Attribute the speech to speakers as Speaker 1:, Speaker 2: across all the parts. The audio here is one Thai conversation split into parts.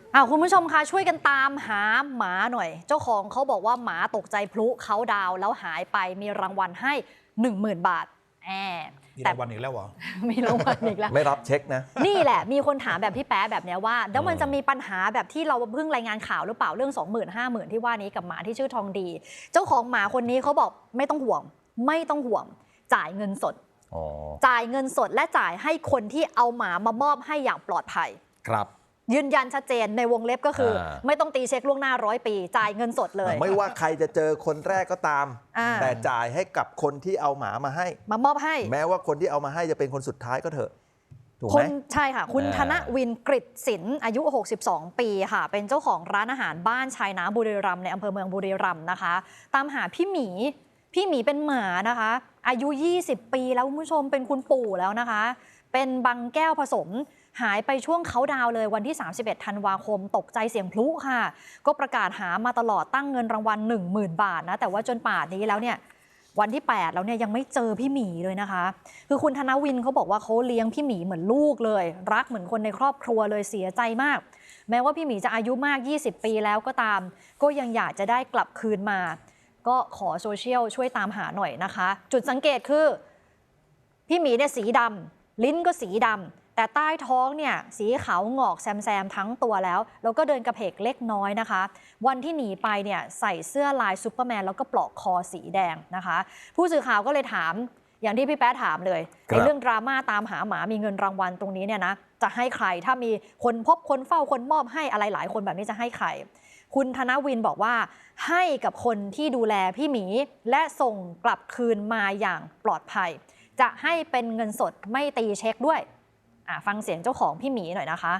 Speaker 1: คุณผู้ชมคะช่วยกันตามหาหมาหน่อย เจ้าของเขาบอกว่าหมาตกใจพลุเขาดาวแล้วหายไปมีรางวัลให้ 10,000 บาท
Speaker 2: มีรางวัลอีกแล้วเหรอ
Speaker 1: มีรางวัลอีกแล้ว
Speaker 3: ไม่รับเช็คนะ
Speaker 1: นี่แหละมีคนถามแบบพี่แป๊ะแบบนี้ว่าแล้วมันจะมีปัญหาแบบที่เราเพิ่งรายงานข่าวหรือเปล่าเรื่อง 20,000 50,000 ที่ว่านี้กับหมาที่ชื่อทองดี เจ้าของหมาคนนี้เขาบอกไม่ต้องห่วงจ่ายเงินสดจ่ายเงินสดและจ่ายให้คนที่เอาหมามามอบให้อย่างปลอดภัย
Speaker 3: ครับ
Speaker 1: ยืนยันชัดเจนในวงเล็บก็คือไม่ต้องตีเช็คล่วงหน้า100 ปีจ่ายเงินสดเลย
Speaker 3: ไม่ว่าใครจะเจอคนแรกก็ตามแต่จ่ายให้กับคนที่เอาหมามาให้
Speaker 1: มามอบให้
Speaker 3: แม้ว่าคนที่เอามาให้จะเป็นคนสุดท้ายก็เถอะถูกไหม
Speaker 1: ใช่ค่ะคุณธนวินกฤษศิลป์อายุ62 ปีค่ะเป็นเจ้าของร้านอาหารบ้านชายน้ำบุรีรัมย์ในอำเภอเมืองบุรีรัมย์นะคะตามหาพี่หมีเป็นหมานะคะอายุ20 ปีแล้วคุณผู้ชมเป็นคุณปู่แล้วนะคะเป็นบังแก้วผสมหายไปช่วงเขาดาวเลยวันที่31 ธันวาคมตกใจเสียงพลุค่ะก็ประกาศหามาตลอดตั้งเงินรางวัล 10,000 บาทนะแต่ว่าจนป่านนี้แล้วเนี่ยวันที่8แล้วเนี่ยยังไม่เจอพี่หมีเลยนะคะคือคุณธนวินเขาบอกว่าเขาเลี้ยงพี่หมีเหมือนลูกเลยรักเหมือนคนในครอบครัวเลยเสียใจมากแม้ว่าพี่หมีจะอายุมาก20 ปีแล้วก็ตามก็ยังอยากจะได้กลับคืนมาก็ขอโซเชียลช่วยตามหาหน่อยนะคะจุดสังเกตคือพี่หมีเนี่ยสีดำลิ้นก็สีดำแต่ใต้ท้องเนี่ยสีขาวงอกแซมทั้งตัวแล้วก็เดินกระเพกเล็กน้อยนะคะวันที่หนีไปเนี่ยใส่เสื้อลายซูเปอร์แมนแล้วก็ปลอกคอสีแดงนะคะผู้สื่อข่าวก็เลยถามอย่างที่พี่แป๊ะถามเลยในเรื่องดราม่าตามหาหมามีเงินรางวัลตรงนี้เนี่ยนะจะให้ใครถ้ามีคนพบคนเฝ้าคนมอบให้อะไรหลายคนแบบนี้จะให้ใครคุณธนวินบอกว่าให้กับคนที่ดูแลพี่หมีและส่งกลับคืนมาอย่างปลอดภัยจะให้เป็นเงินสดไม่ตีเช็คด้วยฟังเสียงเจ้าของพี่หมีหน่อยนะคะ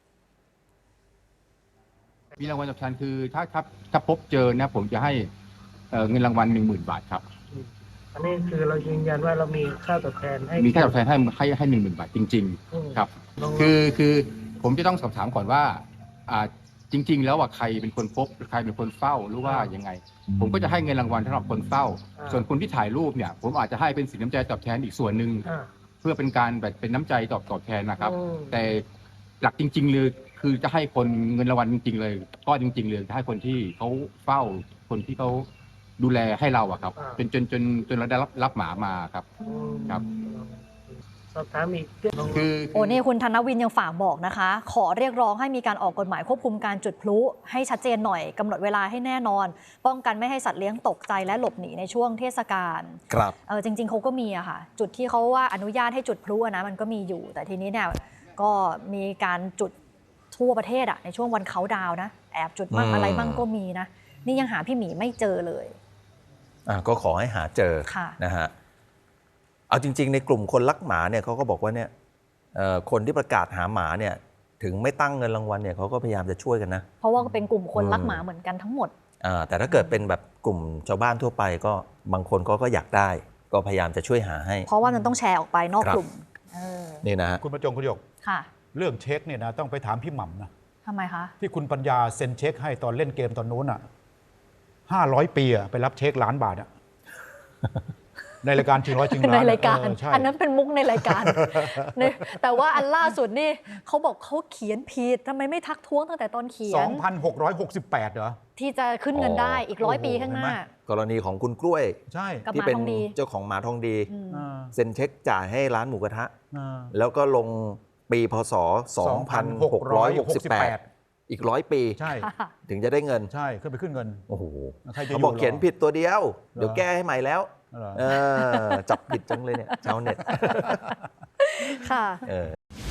Speaker 4: มีรางวัลตอบแทนคือถ้าพบเจอนะผมจะให้เงินรางวัล 10,000 บาทครับ
Speaker 5: อันนี้คือเรายืนยันว่าเรามีค่าตอบแทนให้
Speaker 4: มีค่าตอบแทนให้ 10,000 บาทจริงๆครับคือผมจะต้องสอบถามก่อนว่าจริงๆแล้วว่าใครเป็นคนพบใครเป็นคนเฝ้าหรือว่ายังไงผมก็จะให้เงินรางวัลสำหรับคนเฝ้าส่วนคนที่ถ่ายรูปเนี่ยผมอาจจะให้เป็นสินน้ำใจตอบแทนอีกส่วนหนึ่งเพื่อเป็นการแบบเป็นน้ำใจตอบแทนนะครับแต่หลักจริงๆเลยคือจะให้คนเงินรางวัลจริงๆเลยก็จริงๆเลยจะให้คนที่เขาเฝ้าคนที่เขาดูแลให้เราอะครับจนเราได้รับหมามาครับ
Speaker 5: สอบถามอีก
Speaker 1: นี่คุณธนวินยังฝากบอกนะคะขอเรียกร้องให้มีการออกกฎหมายควบคุมการจุดพลุให้ชัดเจนหน่อยกำหนดเวลาให้แน่นอนป้องกันไม่ให้สัตว์เลี้ยงตกใจและหลบหนีในช่วงเทศกาล
Speaker 3: ครับ
Speaker 1: จริงๆเขาก็มีอะค่ะจุดที่เขาว่าอนุญาตให้จุดพลุนะมันก็มีอยู่แต่ทีนี้เนี่ยก็มีการจุดทั่วประเทศในช่วงวันเขาดาวนะแอบจุดบ้างอะไรบ้างก็มีนะนี่ยังหาพี่หมีไม่เจอเลย
Speaker 3: ก็ขอให้หาเจอนะฮะเอาจริงๆในกลุ่มคนรักหมาเนี่ยเขาก็บอกว่าเนี่ยคนที่ประกาศหาหมาเนี่ยถึงไม่ตั้งเงินรางวัลเนี่ยเขาก็พยายามจะช่วยกันนะ
Speaker 1: เพราะว่าเป็นกลุ่มคนรักหมาเหมือนกันทั้งหมด
Speaker 3: แต่ถ้าเกิดเป็นแบบกลุ่มชาวบ้านทั่วไปก็บางคนก็อยากได้ก็พยายามจะช่วยหาให้
Speaker 1: เพราะว่ามันต้องแชร์ออกไปนอกกลุ่ม
Speaker 3: นี่นะ
Speaker 2: คุณประจงคุณหยกเรื่องเช็คเนี่ยนะต้องไปถามพี่หม่ำนะ
Speaker 1: ทำไมคะ
Speaker 2: ที่คุณปัญญาเซ็นเช็คให้ตอนเล่นเกมตอนนู้น500 ปีไปรับเช็ค1,000,000 บาทในรายการชิงร้อยชิงล้าน
Speaker 1: ในรายการอันนั้นเป็นมุกในรายการแต่ว่าอันล่าสุดนี่เขาบอกเขาเขียนผิดทำไมไม่ทักท้วงตั้งแต่ตอนเขียน
Speaker 2: 2,668 เหรอ
Speaker 1: ที่จะขึ้นเงินได้อีก100 ปีข้างหน้าก
Speaker 3: รณีของคุณกล้วย
Speaker 2: ใช่
Speaker 3: ที่เป็นเจ้าของหมาทองดีเซ็นเช็คจ่ายให้ร้านหมูกระทะแล้วก็ลงปีพศ 2,668อีก100 ปี
Speaker 2: ใช่
Speaker 3: ถึงจะได้เงิน
Speaker 2: ใช่ขึ้นไปขึ้นเงิน
Speaker 3: โอ้โหเขาบอกเขียนผิดตัวเดียวเดี๋ยวแก้ให้ใหม่แล้วจับผิดจังเลยเนี่ยชาวเน็ต
Speaker 1: ค่ะ